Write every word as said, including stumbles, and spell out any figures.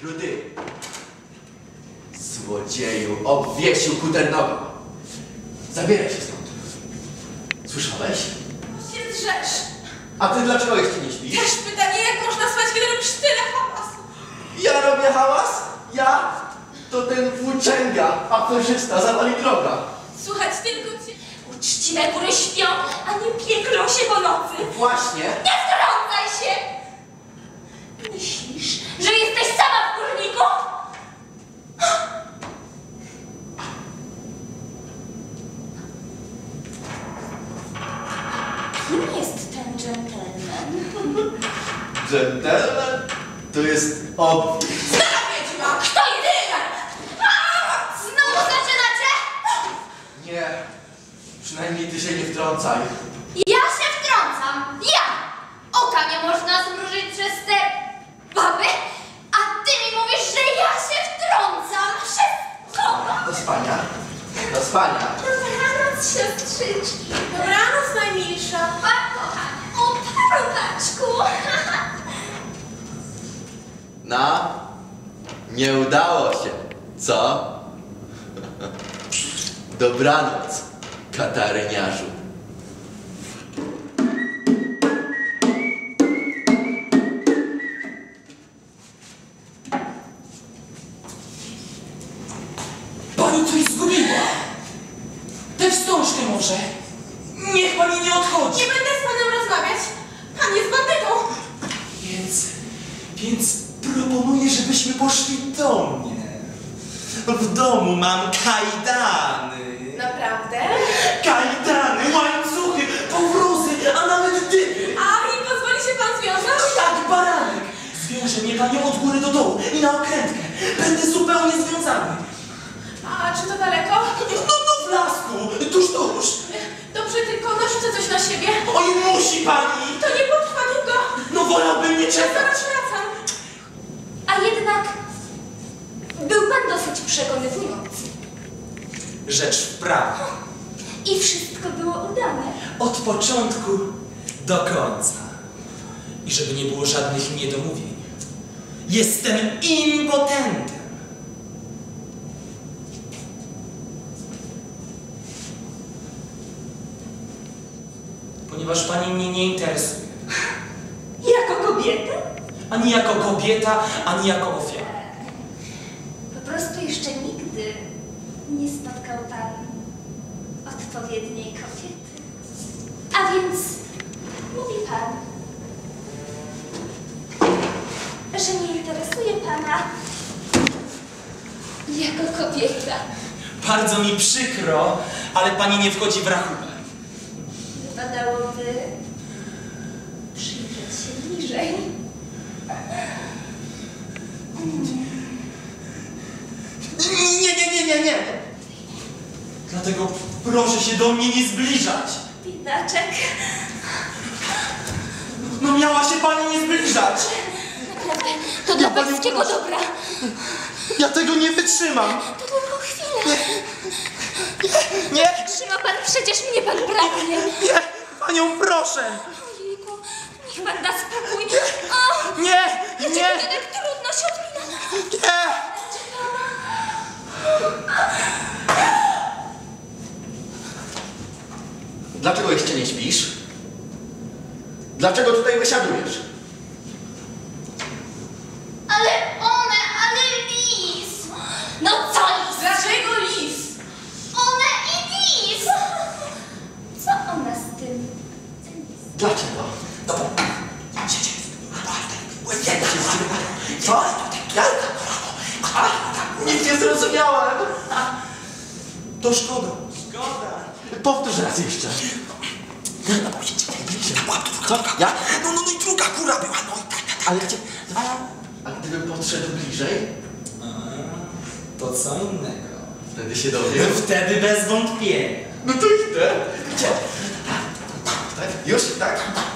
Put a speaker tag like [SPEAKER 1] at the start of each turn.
[SPEAKER 1] Rudy. Złodzieju, obwiesił kuternogo. Zabieraj się stąd. Słyszałeś?
[SPEAKER 2] No się drzesz.
[SPEAKER 1] A ty dlaczego jeszcze nie śpisz?
[SPEAKER 2] Też pytanie, jak można spać, kiedy robisz tyle hałasu?
[SPEAKER 1] Ja robię hałas? Ja? To ten włóczęga, aferzysta, zawali droga.
[SPEAKER 2] Słuchać tylko cię. Uczciwe góry śpią, a nie pieklą się po nocy.
[SPEAKER 1] Właśnie.
[SPEAKER 2] Nie wtrącaj się! Myślisz, że jesteś sama w kurniku? Kim jest ten dżentelmen?
[SPEAKER 1] Dżentelmen? To jest obwis.
[SPEAKER 2] Stara wiedźma! Kto jedyna? Znowu zaczynacie?
[SPEAKER 1] Nie. Przynajmniej ty się nie wtrącaj.
[SPEAKER 2] Ja się wtrącam! Ja! Oka nie można zmrużyć przez te baby, a ty mi mówisz, że ja się wtrącam! Przez kogo?
[SPEAKER 1] Do spania. Do spania.
[SPEAKER 2] Dobranoc, siostrzyczki. Dobranoc, najmilsza. Pa, kochanie. O, parokaczku.
[SPEAKER 1] No, nie udało się, co? Dobranoc, kataryniarzu.
[SPEAKER 3] Pani coś zgubiła! Tę wstążkę może! Niech pani nie odchodzi!
[SPEAKER 2] Nie będę z panem rozmawiać. Pan jest bandytą.
[SPEAKER 3] Więc... więc proponuję, żebyśmy poszli do mnie. W domu mam kajdany.
[SPEAKER 2] Naprawdę?
[SPEAKER 3] Kajdany, łańcuchy, powrózy, a nawet dyby.
[SPEAKER 2] A i pozwoli się pan związać?
[SPEAKER 3] Tak, baranek! Zwiąże mnie panią od góry do dołu i na okrętkę. Będę zupełnie związany.
[SPEAKER 2] A czy to daleko?
[SPEAKER 3] No, no w lasku, tuż, tuż.
[SPEAKER 2] Dobrze, tylko narzucę coś na siebie.
[SPEAKER 3] Oj, musi pani!
[SPEAKER 2] To nie potrwa długo.
[SPEAKER 3] No wolałbym nie
[SPEAKER 2] Ja
[SPEAKER 3] czekać.
[SPEAKER 2] zaraz wracam. A jednak był pan dosyć przekonywujący.
[SPEAKER 3] Rzecz w prawie.
[SPEAKER 2] I wszystko było udane.
[SPEAKER 3] Od początku do końca. I żeby nie było żadnych niedomówień. Jestem impotentem. Ponieważ pani mnie nie interesuje.
[SPEAKER 2] Jako kobieta?
[SPEAKER 3] Ani jako kobieta, ani jako ofiara.
[SPEAKER 2] Po prostu jeszcze nigdy nie spotkał pan odpowiedniej kobiety. A więc mówi pan, że nie interesuje pana jako kobieta.
[SPEAKER 3] Bardzo mi przykro, ale pani nie wchodzi w rachunek.
[SPEAKER 2] Wypadałoby przyjrzeć się bliżej.
[SPEAKER 3] Nie, nie, nie, nie, nie. Dlatego proszę się do mnie nie zbliżać.
[SPEAKER 2] Biedaczek.
[SPEAKER 3] No miała się pani nie zbliżać.
[SPEAKER 2] Naprawdę, to dla
[SPEAKER 3] Ja panią
[SPEAKER 2] pańskiego
[SPEAKER 3] proszę.
[SPEAKER 2] dobra.
[SPEAKER 3] Ja tego nie wytrzymam.
[SPEAKER 2] To tylko chwilę.
[SPEAKER 3] Nie,
[SPEAKER 2] Trzyma pan, przecież mnie pan pragnie.
[SPEAKER 3] nie, panią proszę.
[SPEAKER 2] Ojejku, niech pan da spokój. O,
[SPEAKER 3] Nie,
[SPEAKER 2] dlaczego
[SPEAKER 3] nie,
[SPEAKER 2] to tak trudno się odmina?
[SPEAKER 3] nie.
[SPEAKER 1] Dlaczego jeszcze nie śpisz? Dlaczego tutaj wysiadujesz?
[SPEAKER 2] Ale one, ale lis. No co lis? Dlaczego lis? One i lis. Co ona z tym? Ten lis.
[SPEAKER 1] Dlaczego?
[SPEAKER 3] No bo... Siedź,
[SPEAKER 1] Co? Ja? A, nic nie zrozumiałem.
[SPEAKER 3] to szkoda. Szkoda.
[SPEAKER 1] Powtórz raz jeszcze.
[SPEAKER 3] No bo siedź,
[SPEAKER 1] Co? Ja?
[SPEAKER 3] No, no, no i druga góra była, no i tak, tak, tak.
[SPEAKER 1] Ale gdzie... A, a gdybym podszedł bliżej,
[SPEAKER 3] A, to co innego.
[SPEAKER 1] wtedy się dowiem.
[SPEAKER 3] Wtedy bez wątpienia.
[SPEAKER 1] No to idę. Gdzie? Tak, już? Tak?